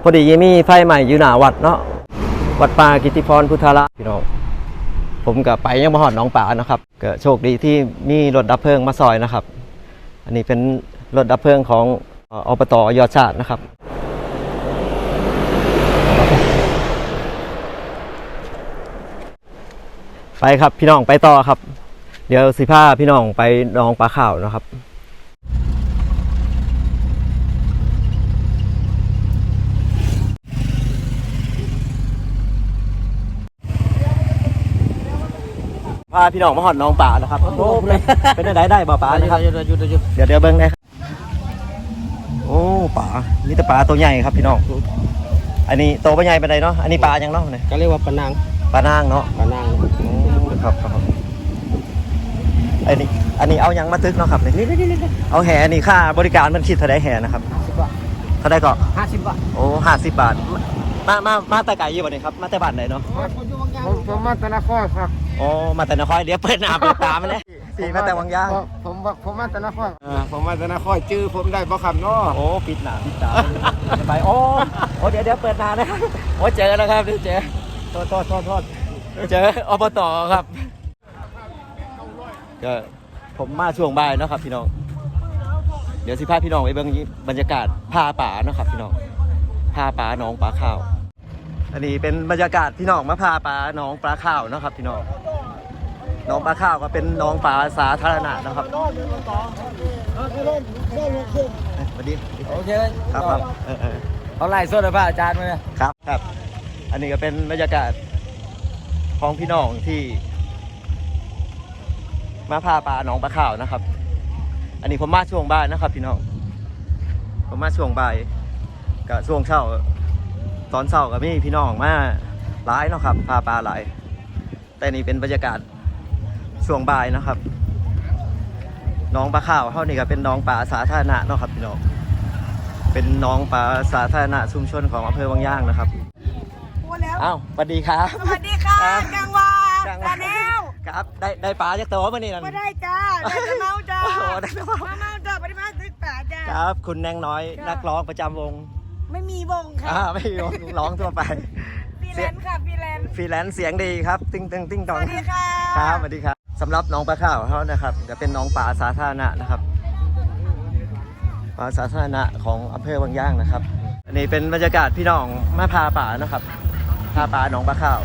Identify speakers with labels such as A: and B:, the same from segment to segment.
A: พอดีมีไฟใหม่อยู่หน้าวัดเนาะวัดป่ากิติพรพุทธารามพี่น้องผมก็ไปยังมาหอดหนองป่านะครับก็โชคดีที่มีรถดับเพลิงมาซอยนะครับอันนี้เป็นรถดับเพลิงของอบต.ยอดชาตินะครับไปครับพี่น้องไปต่อครับเดี๋ยวสิพาพี่น้องไปหนองปลาข่าวนะครับพาพี่น้องมาหอดน้องป่านะครับโอ้เป็นได้บ่ป่านะครับเดี๋ยวเบิ้งได้โอ้ป่านี่แต่ป่าตัวใหญ่ครับพี่น้องอันนี้โตปลาใหญ่เป็นไรเนาะอันนี้ปลายังเนาะเนี่ย
B: ก็เรียกว่าปลานาง
A: เนาะ
B: ปลานาง
A: ครับอันนี้เอายังมาตึกเนาะครับนี่เอาแห่อันนี้ค่าบริการมันคิดเท่าไรแห่นะครับเท่าไรก็
B: 50 บาท
A: โอ้50 บาทมาแต่ไก่ยี่บ่เนี่ยครับมาแต่บ้านไหนเนาะ
B: ผมมาแต่นครครับ
A: โอ้มาแต่นครเดี๋ยวเปิดหน้าเปิดตามาเลยพี่มาแต่วังยาง
B: ผมมาแต่นครผมมาแต่นครชื่อผมได้บ่คำเนาะ
A: โอ้ปิดหน้าปิดตาไปโอ้เดี๋ยวเปิดหน้านะครับโอ้เจอแล้วครับเจอโทษเจออบต.ครับก็ผมมาช่วงบ่ายเนาะครับพี่น้องเดี๋ยวสิพาพี่น้องไปเบิ่งบรรยากาศผ้าป่าเนาะครับพี่น้องผ้าป่าหนองปลาข้าวอันนี้เป็นบรรยากาศพี่น้องมาผ้าป่าหนองปลาข้าวเนาะครับพี่น้องหนองปลาข้าวก็เป็นหนองปลาสาธารณะนะครับสวัสดี
B: โอเค
A: ครับ
B: เอาไล่สดเลยพระอาจารย์มาเลย
A: ครับอันนี้ก็เป็นบรรยากาศของพี่น้องที่มาพาปลาหนองปลาข้าวนะครับอันนี้ผมมาช่วงบ่ายนะครับพี่น้องผมมาช่วงบ่ายกับช่วงเช้าตอนเช้ากับมีพี่น้องมาหลายเนาะครับพาปลาหลายแต่นี่เป็นบรรยากาศช่วงบ่ายนะครับหนองปลาข้าวเท่านี้ก็เป็นหนองปลาสาธารณะเนาะครับพี่น้องเป็นหนองปลาสาธารณะชุมชนของอำเภอวังย่างนะครับอ้าวสวัสดีครับ
C: สวัสดีค่ะกังวาจาแนว
A: ครับได้ปลาจากตัวมานี่นั่น
C: ไม่ได้จ้าได้แต่เมาจ้า
A: โอ้ได้แต่เมา
C: จ้าปริมาณตึกป่าจ้า
A: ครับคุณแนงน้อยนักร้องประจำวง
C: ไม่มีวงค่ะ
A: ไม่มีวงร้องทั่วไป
C: ฟรีแลนซ์ค่ะฟรีแลนซ์
A: เสียงดีครับติ้งตอง
C: สวัสดีค่ะ
A: ครับสวัสดีครับสำหรับน้องปลาข้าวเขานะครับจะเป็นน้องปลาสาธารณะนะครับปลาสาธารณะของอำเภอวังย่างนะครับอันนี้เป็นบรรยากาศพี่น้องมาพาป่านะครับพาป่าน้องปลาข้าว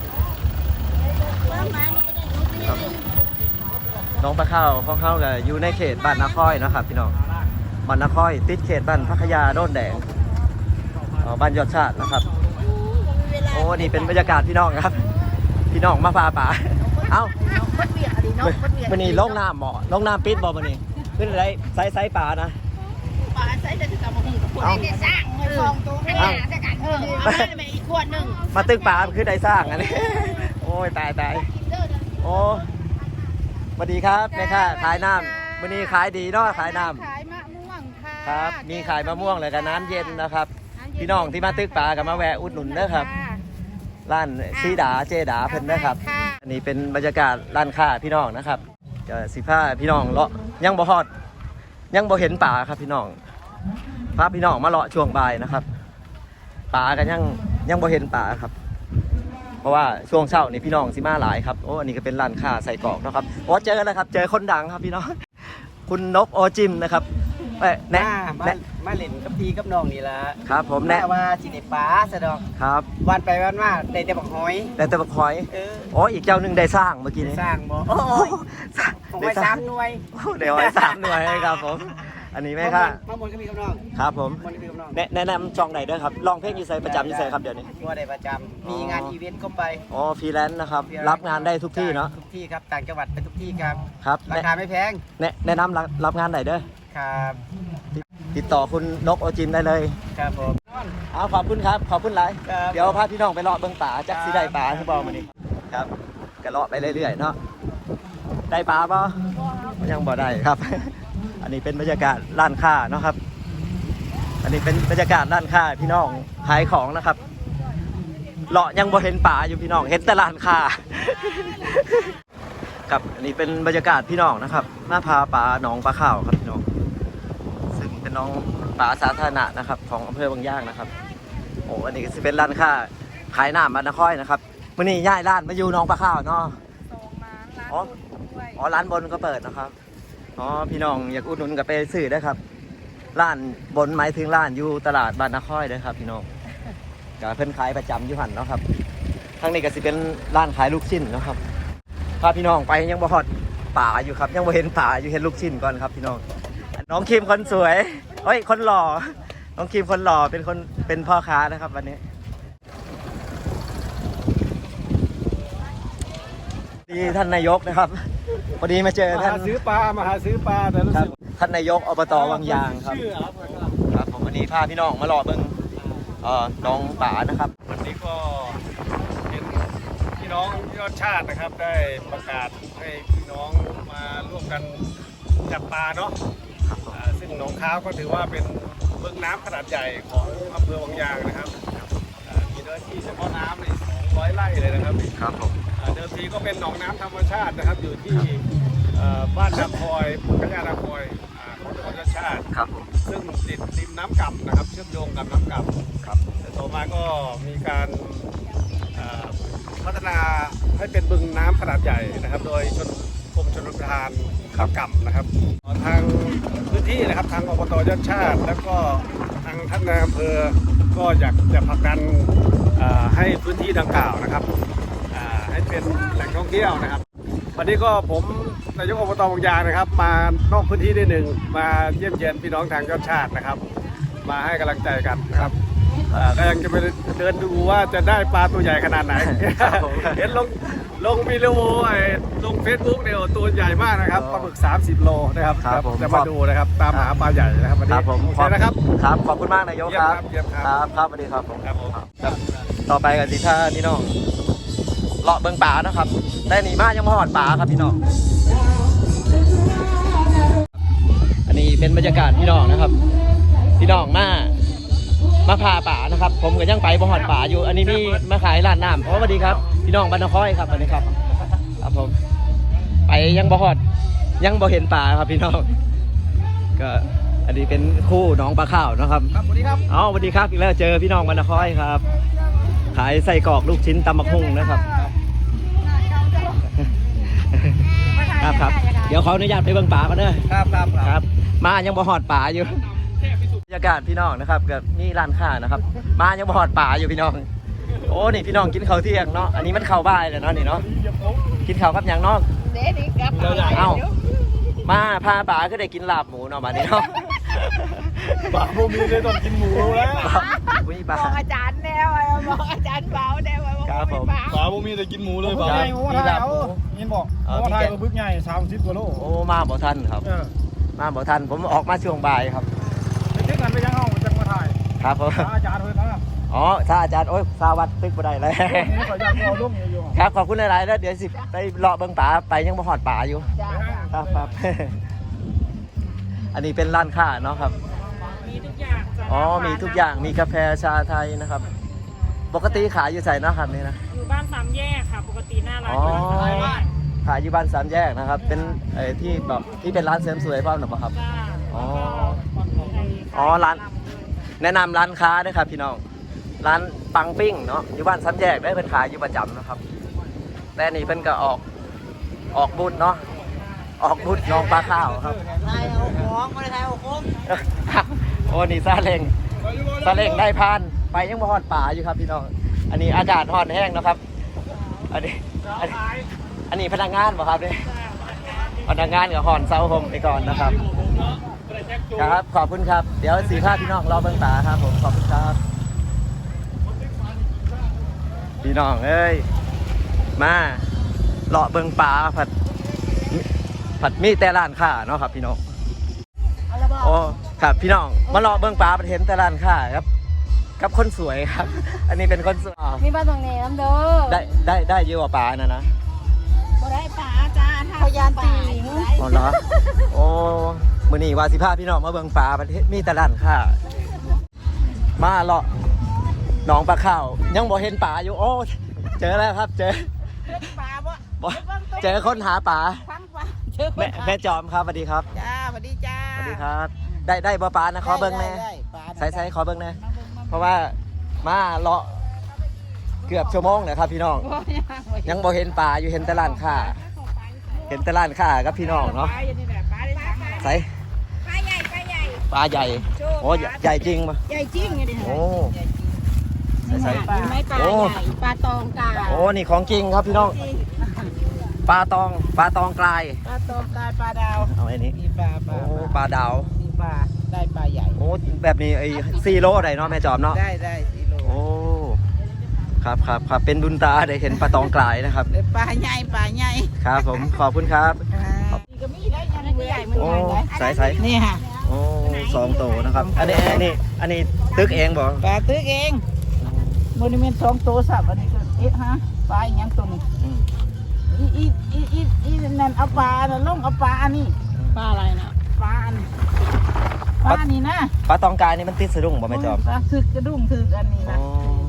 A: น้องปลาข้าวของเขาก็อยู่ในเขตบ้านนาค่อยนะครับพี่น้องบ้านนาค่อยติดเขตบ้านพัทยาโดนแดงบ้านยอดชาตินะครับโอ้นี่เป็นบรรยากาศพี่น้องครับพี่น้องมาพาป่าเอ้ามันนี่ลงน้ำหมอลงน้ำปิดบ่มันนี่ขึ้นอะไรไซส์ป่านะ
C: ป่าไซส์จะถึงกับมึงกับคนได้สร้างเงินฟองตัวขนาดจะกันเอาไปอีกขวดหนึ่ง
A: มาตึกป่าคือได้สร้างอันนี้โอ้ยตายโอ้สวัสดีครับแม่ค่ะขายน้ำวันนี้ขายดีเนาะขายน้ำ
C: ขายมะม่วงค่ะ
A: ครับมีขายมะม่วงเลยกับน้ำเย็นนะครับพี่น้องที่มาตึกป่ากับมาแวะอุดหนุนนะครับร้านซีดาเจดาเพิ่นนะครับอันนี้เป็นบรรยากาศร้านค้าพี่น้องนะครับจะสิผ้าพี่น้องเลาะยังบ่ฮอดยังบ่เห็นป่าครับพี่น้องพาพี่น้องมาเลาะช่วงบ่ายนะครับป่ากันยังบ่เห็นป่าครับเพราะว่าช่วงเช้านี่พี่น้องสิมาหลายครับโอ้อันนี้ก็เป็นร้านค้าใส่กรอกนะครับโอ้เจอแล้วครับเจอคนดังครับพี่น้องคุณนกโอจิมนะครับ
B: แน่มาเล่นกับพี่กับน้องนี่ละ
A: ครับผมแน่
B: ว่าจิเนป้าสะดอก
A: ครับ
B: วันไปวันมาได้แต่บักหอย
A: อ๋ออีกเจ้าหนึ่งได้สร้างเมื่อกี้นี้
B: สร้างบ่โอ้ยได้3 หน่วย
A: เดี๋ยวให้3 หน่วยครับผมอันนี้ไหมครับ
B: มาหมดก็มีกับน้อง
A: ครับผมแนะนำช่องไหนด้วยครับลองเพลงยูไซประจำยูไซครับเดี๋ยวนี้
B: ว่าได้ประจำมีงานอีเวนต์ก็ไป
A: อ๋อฟรีแลนซ์นะครับรับงานได้ทุกที่เนาะ
B: ทุกที่ครับต่างจังหวัดไปทุกที่ครับ
A: ครับ
B: ราคาไม่แพง
A: แนะนำรับงานไหนด้วย
B: ครับ
A: ติดต่อคุณนกโอจินได้เลย
B: ครับผม
A: ขอบคุณครับขอบคุณหลายเดี๋ยวพาพี่น้องไปเลาะเบื้องป่าจักสีได้ป่าที่บอกมานี่ครับก็เลาะไปเรื่อยๆเนาะได้ป่าป่ะยังบ่ได้ครับอันนี้เป็นบรรยากาศร้านค้าเนาะครับอันนี้เป็นบรรยากาศร้านค้าพี่น้องขายของนะครับเลาะยังบ่เห็นป่าอยู่พี่น้องเห็นแต่ร้านค้าครับอันนี้เป็นบรรยากาศพี่น้องนะครับหน้าพาป่าหนองปลาข้าวครับพี่น้องซึ่งเป็นน้องป่าสาธารณะนะครับของอำเภอบางย่างนะครับอ้อันนี้ก็จะเป็นร้านค้าขายน้ำบ้านนครนะครับมื่อนี้ย้ายร้านมาอยู่หน้องปลาข้าวเนาะ
C: ส่งมาร้าน
A: อ๋อ
C: ด้วย
A: อ๋อร้านบนก็เปิดนะครับอ๋อพี่น้องอยากอุดหนุนก็ไปซื้อได้ครับร้านบนหมายถึงร้านอยู่ตลาดบ้านนครเด้อครับพี่น้องก็เพิ่นขายประจำอยู่หันเนาะครับทางนี้ก็สิเป็นร้านขายลูกชิ้นเนาะครับพาพี่น้องไปยังบ่ฮอดป่าอยู่ครับยังบ่เห็นป่าอยู่เห็นลูกชิ้นก่อนครับพี่น้องน้องคิมคนสวยเฮ้ยคนหล่อน้องคิมคนหล่อเป็นพ่อค้านะครับวันนี้ดีท่านนายกนะครับพอดีมาเจอ
B: มา
A: ท่าน
B: หาซื้อปลามาหาซื้อปลาแต่รู้
A: ครับ
B: สึก
A: ท่านนายกอบตวังยางครับ
B: ชื่อครับ
A: ครับผมวันนี้พาพี่น้องมารอเบิ่งน้องป๋านะครับ
B: วันนี้ก็เห็นพี่น้องยอดชาตินะครับได้ประกาศให้พี่น้องมาร่วมกันจับปลาเนาะซึ่งหนองค้าวก็ถือว่าเป็นบึงน้ำขนาดใหญ่ของอำเภอวังยางนะครับมีเนื้อที่เฉพาะน้ำใน200 ไร่เลยนะครับ
A: ครับผม
B: เดิมทีก็เป็นหนองน้ำธรรมชาตินะครับอยู่ที่บ้านนาคอยพญานาคอยของจังหวัดชาติชาติ
A: ครับผม
B: ซึ่งติดริมน้ำก่ำนะครับเชื่อมโยงกับน้ำก่ำ
A: ครับ
B: แต่ต่อมาก็มีการพัฒนาให้เป็นบึงน้ำขนาดใหญ่นะครับโดยกรมชลประทานน้ำก่ำนะครับทางพื้นที่นะครับทางอบตยอดชาติ แล้วก็ทางท่านนายอำเภอก็อยากจะผลักดันให้พื้นที่ดังกล่าวนะครับให้เป็นแหล่งท่องเที่ยวนะครับวันนี้ก็ผมนายกอบตวังยางนะครับมานอกพื้นที่ได้หนึ่งมาเยี่ยมเยียนพี่น้องทางยอดชาตินะครับมาให้กำลังใจกันนะครับก็ยังจะไปเดินดูว่าจะได้ปลาตัวใหญ่ขนาดไหน เห็นลงวิดีโอลงเฟซบุ๊กเนี่ยตัวใหญ่มากนะครับปลาหมึก30 โลนะครับ
A: ครับผม
B: จะมาดูนะครับตามหาปลาใหญ่นะครับวัน
A: ค
B: นี้
A: รับผม
B: โอเคนะครับ
A: ครับขอบคุณมากนายกครับ
B: เยี่ยมครับ
A: ครับครับสวัสดีครับผม
B: ครับผม
A: ครับต่อไปกันสิท่าพี่น้องเลาะเบิ่งป่านะครับได้หนีมายังมาหอดป่าครับพี่น้องอันนี้เป็นบรรยากาศพี่น้องนะครับ พี่น้องมาพาป่านะครับ ผมก็ยังไปบ่หอดป่าอยู่ อันนี้มีมาขายร้านน้ำเพราะสวัสดีครับพี่น้องบ้านนครครับสวัสดีครับครับผมไปยังบ่หอดยังบ่เห็นป่าครับพี่น้องก็อันนี้เป็นคู่น้องปลาข้าวนะครับ
B: ครับสวัสดีครับ
A: อ๋อสวัสดีครับอีกแล้วเจอพี่น้องบ้านนครครับ ขายไส้กรอกลูกชิ้นตำบักหุ่งนะครับครับเดี๋ยวขออนุญาตไปเบิ่งป่าก่อนเด้อ
B: ครับครับ
A: ครับมายังบ่หอดป่าอยู่บรรยากาศพี่น้องนะครับกับนี่ร้านค้านะครับมายังบ่หอดป่าอยู่พี่น้องโอ้นี่พี่น้องกินข้าวเที่ยงเนาะอันนี้มันข้าวบ่ายแล้วเนาะนี่เนาะกินข้าวกับหยังเนาะ
C: เด็ดกลับ
A: เอ้ามาพาป่าก็ได้กินลาบหมูเนาะบัดนี้เนาะ
B: ปลาโมมีเลยต้องกินหมูแล้ว
A: อุ้ย
C: บ
A: ป่า
C: อกอาจารย์แนวบอกอาจารย์เบาแนวบอก
A: ครับผม
B: ปลาโมมีแต่กินหมูเลย
A: ค
B: ป
A: รั
B: ลา
A: บ
B: มีลาบยินบอกว่าไทยบึกใหญ่30 กว่าโล
A: โอ้มาบ่ทันครับมาบ่ทันผมออกมาช่วงบ่ายครับ
B: ไปถึงกันไปยังห้องจังมาถ่าย
A: ครับผม
B: อาจารย์เพิ่นนะ
A: อ๋อถ้าอาจารย์โอ้ยสาวัดตึกบ่ได้เลย
B: นี่ขออยากเอาลูกอยู่
A: ครับขอบคุณหลายๆแล้วเดี๋ยวสิไปเลาะเบิ่งป่าไปยังบ่หอดป่าอยู่
C: จ้า
A: ครับครับ อันนี้เป็นร้านค้าเนาะครับ
C: มีทุกอย่างจ้ะ
A: อ๋อมีทุกอย่างมีกาแฟชาไทยนะครับ ปกติขายอยู่ใส่เนาะครับนี่นะ
D: อยู่บ้านสามแยกค่ะ ปกติหน้าร้าน
A: อ๋อ
D: อยู่บ้านสามแยก
A: ขายอยู่บ้านสามแยกนะครับ เป็นที่แบบที่เป็นร้านเสริมสวยเปล่าหรือเปล่าครับ
D: จ้า
A: อ๋อ
D: ไอ้
A: อ๋อร้าน แนะนำร้านค้าด้วยครับพี่น้อง ร้านปังปิ้งเนาะอยู่บ้านสามแยกได้เป็นขายอยู่ประจำนะครับ แต่นี่เพิ่นก็ออกบุญเนาะออกบุญน้องปลาข้าวครับ
C: ไทยเอาของมาไทยเอาของ
A: โอ้นี่ซาเล้งได้พานไปยังบ่ฮอดป่าอยู่ครับพี่น้องอันนี้อากาศฮอดแห้งนะครับ อันนี้พนักงานบ่ครับเนี่ยพนักงานกับฮอนเซาโฮมไปก่อนนะครับครับขอบคุณครับเดี๋ยวสีผ้าพี่น้องรอเบิ่งป่าครับผมขอบคุณครับพี่น้องเอ้ยมาเลาะเบิ่งป่าผัดมีแต่ร้านค้าเนาะครับพี่น้องโอ้ครับพี่น้องมาเลาะเบิ่งป่าเห็นแต่ร้านค้าครับกับคนสวยครับ อันนี้เป็นคนสวย
C: มีบ้านตรงนี้น้ำเด้อ
A: ได้เยอะกว่าป่านะ
C: บ่ได้ป่าจ้าพยานติง
A: อ๋อเหรอโอ้มื้อนี้ว่าสิพาพี่น้องมาเบิ่งป่าประเทศมีแต่ร้านค้ามาเลาะหนองปลาข้าวยังบ่เห็นป่าอยู่โอ้เจอแล้วครับเจอ
C: ป่าบ่
A: บ่เจอคนหาป่า
C: ฟังป่าเจอคน
A: แม่จอมครับสวัสดีครับ
C: จ้าสวัสดีจ้า
A: สวัสดีครับ ได้บ่ป่านะขอเบิ่งแน่
C: ได้ป่า
A: ใส่ขอเบิ่งแน่เพราะว่ามาเลาะเกือบชั่วโมงเลยครับพี่น้องยังบ่เห็นปลาอยู่เห็นแต่ร้านค้าเห็นแต่ร้านค้ากับพี่น้องเนาะใส่
C: ปลาใหญ่ปลาใหญ่
A: ปลาใหญ่โอ้ใหญ่จริงปะ
C: ใหญ่จริงไงดิ
A: โอ้ใส่
C: ปลาไม่ปลาใหญ่ปลาตองกา
A: โอ้นี่ของจริงครับพี่น้องปลาตองกลาย
C: ปลาตองกาปลาดาว
A: เอาไอ้นี้
C: มีปลา
A: โอ้ปลาดาว
C: มีปลาได้ปลาใหญ่
A: โอ้แบบนี้ไอ้4 โลได้เนาะแม่จอมเนาะ
C: ได้4 โล
A: โอ้ครับเป็นบุญตาได้เห็นปลาตองกลายนะครับ
C: ปลาใหญ่ปลาใหญ่
A: ครับผมขอบคุณครับ
C: ก็มีได้ยังใหญ่มัน
A: โอ้
C: ใหญ่
A: ใส่
C: นี่ค่ะ
A: โอ้2 โตนะครับอันนี้ตึกเองบ่
C: ปลาตึกเองโมนิเมนต์2 ตัวสับอันนี้ก็ฮะปลาอย่างตัวนี้
A: อืม
C: อีนั่นเอาปลาน่ะลงเอาปลาอันนี้ปลาอะไรนะปลาอันปลานี่นะ
A: ปลาตองกลายนี่มันติดสะดุ้งบ่แม่จอม
C: ปลาถึกกระดุมถึกอันนี้นะ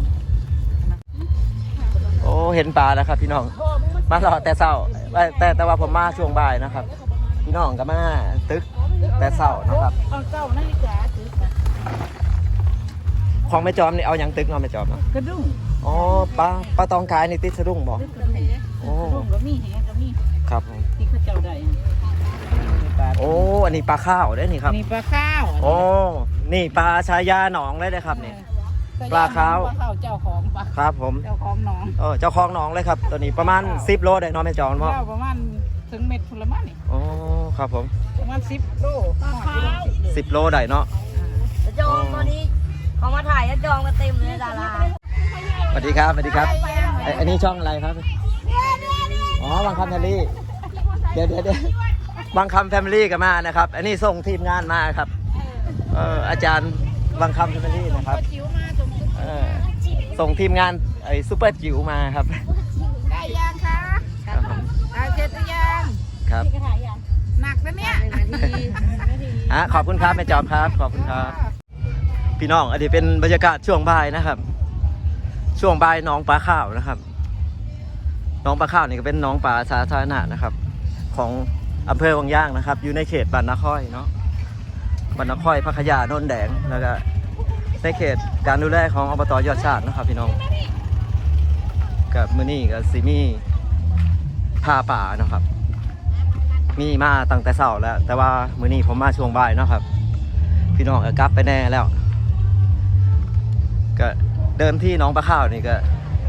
A: โอ้เห็นปลาแล้วครับพี่น้องมารอแต่เช้าแต่ว่าผมมาช่วงบ่ายนะครับ พี่น้องก็มาตึกแต่เช้านะครับ
C: เอาเจ้านาฬิกาถึกนะ
A: ของแม่จอมนี่เอาหยังตึกเนาะแม่จอมเนาะ
C: กระดุม
A: อ๋อปลาตองกายนี่ติดสะดุ้งบ่
C: ตึกกระดุม
A: โอ้
C: กระดุมก็มีแหก็มี
A: ครับผม
C: ที่เขาเจ้าได้ปลา
A: โอ้อันนี้ปลาข้าวได้อนี่ครับ
C: นี่ปลาข้าว
A: โอ้นี่ปลาชายาหนองเลยนะครับนี่ ปลาขาว
C: ปลาขาวเจ้าของปลา
A: ครับผม
C: เจ้าของหนอง
A: เจ้าของหนองเลยครับตัวนี้ประมาณ10 โลได้เนาะแม่จอมเนาะ
C: เจ้าประมาณถึงเม็ดพลมันนี่
A: โอ้ครับผม
C: ประมาณ10 โลปลาขาว
A: 10 โลได้เนาะ
E: จะจองตอนนี้เขามาถ่ายจะจองกันเต็มเลยดารา
A: สวัสดีครับอันนี้ช่องอะไรครับอ๋อบางคำแฟมิลี่เดี๋ยวบางคำแฟมิลี่ก็มานะครับ อันนี้ส่งทีมงานมาครับอาจารย์บางคำแฟมิลี่นะครับ
C: จิ๋วมาสมทบ
A: ส่งทีมงานไอ้ซูเปอร์จิ๋วมาครับ
C: ได้ยังคะ
A: ครับผม
C: ได้เสร็จหรือยัง
A: ครับ
C: หนักนะเนี่ย
A: ขอบคุณครับแม่จอมครับขอบคุณครับพี่น้องอันนี้เป็นบรรยากาศช่วงบ่ายนะครับ ช่วงบ่ายหนองปลาข้าวนะครับหนองปลาข้าวนี่ก็เป็นหนองปลาสาธารณะนะครับ ของอำเภอวังย่างนะครับ อยู่ในเขตบ้านนาค่อยเนาะบ้านนาค่อยพัทยาโนนแดงแล้วก็ในเขตการดูแลของอบต.ยอดชาตินะครับพี่น้องกับมื้อนี้กับซิมี่พาป่านะครับ มีมาตั้งแต่เช้าแล้ว แต่ว่ามื้อนี้ผมมาช่วงบ่ายเนาะครับพี่น้องก็กลับไปแน่แล้วก็เดิมที่หนองปลาข้าวนี่ก็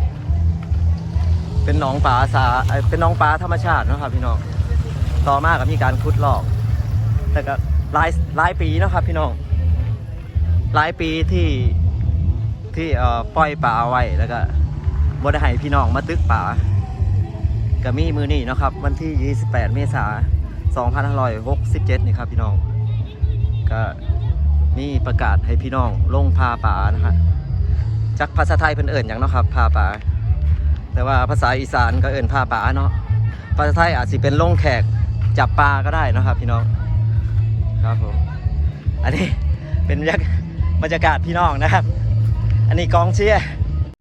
A: เป็นหนองปลาเป็นหนองปลาธรรมชาติเนาะครับพี่น้องต่อมาก็มีการขุดลอกแต่ก็หลายปีเนาะครับพี่น้องหลายปีที่ปล่อยปลาไว้แล้วก็บ่ได้ให้พี่น้องมาตึกปลาก็มีมือนี้เนาะครับวันที่28 เมษายน 2567นี่ครับพี่น้องก็มีประกาศให้พี่น้องลงพาปลานะครับจากภาษาไทยเพิ่นเอิ้นหยังเนาะครับพาปลาแต่ว่าภาษาอีสานก็เอิ้นพาปลาเนาะภาษาไทยอาจสิเป็นลงแขกจับปลาก็ได้นะครับพี่น้องครับผมอันนี้เป็นบรรยากาศพี่น้องนะครับอันนี้กองเชียร์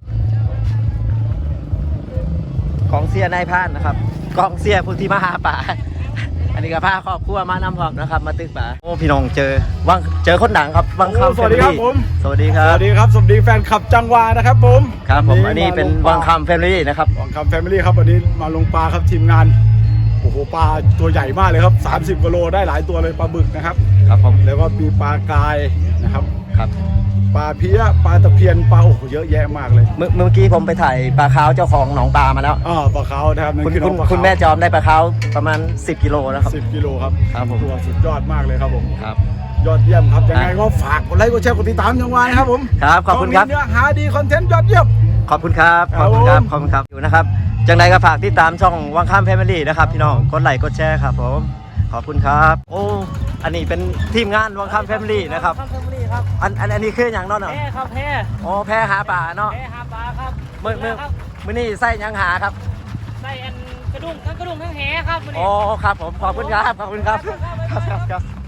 A: นายพรานนะครับกองเชียร์ผู้ที่มาหาปลาอันนี้ก็พาครอบครัวมานำพร้อมนะครับมาตึกปลาโอ้พี่น้องเจอคนดังครับวังคำ
B: สวัสดีครับผม
A: สวัสดีครั
B: ส
A: บ
B: วัสดีครับสวัสดีแฟนคลับจังหวานะครับผม
A: ครับผมอันนี้เป็นวังคำแฟมิลี่นะครับ
B: วังคำแฟมิลี่ครับวันนี้มาลงปลาครับทีมงานโอ้โหปลาตัวใหญ่มากเลยครับ30 กิโลได้หลายตัวเลยปลาบึกนะครับ
A: ครับผม
B: แล้วก็มีปลากายนะครับ
A: ครับ
B: ปลาเพี้ยปลาตะเพียนปลาโอ้โหเยอะแยะมากเลย
A: เมื่อกี้ผมไปถ่ายปลาขาวเจ้าของหนองปลามาแล้ว
B: ปลาขาวนะครับนั่น
A: คุณ
B: คือน้องปลาขาว
A: คุณแม่จอมได้ปลาขาวประมาณ10 กิโลนะครับ
B: 10 กิโลครับ
A: ครับผม
B: ตัวสุดยอดมากเลยครับผม
A: ครับ
B: ยอดเยี่ยมครับยังไงก็ฝากกดไลค์กดแชร์กดติดตามจังหวานะครับผม
A: ครับขอบคุณครับ
B: มีเนื้อหาดีคอนเทนต์ยอดเยี่ยม
A: ขอบคุณครับขอบคุณครับขอบคุณครับอยู่นะครับจังใดก็ฝากติดตามช่องวังคำแฟมิลี่นะครับพี่น้องกดไลค์กดแชร์ครับผมขอบคุณครับโอ้อันนี้เป็นทีมงานวังคำแฟมิลี่นะครับ
D: ข้ามเฟมิลี่ครับ
A: อันนี้คืออย่างเนาะ
D: แพ้ครับแพ้
A: โอ้แพ้หาป่าเนาะ
D: แพ้หาปลาครับ
A: มื้อนี้ไส้หยังหาครับ
D: ได้อันกระดุมทั้งแหครับวันนี้
A: โอ้ครับผมขอบคุณครับขอบคุณครับครับ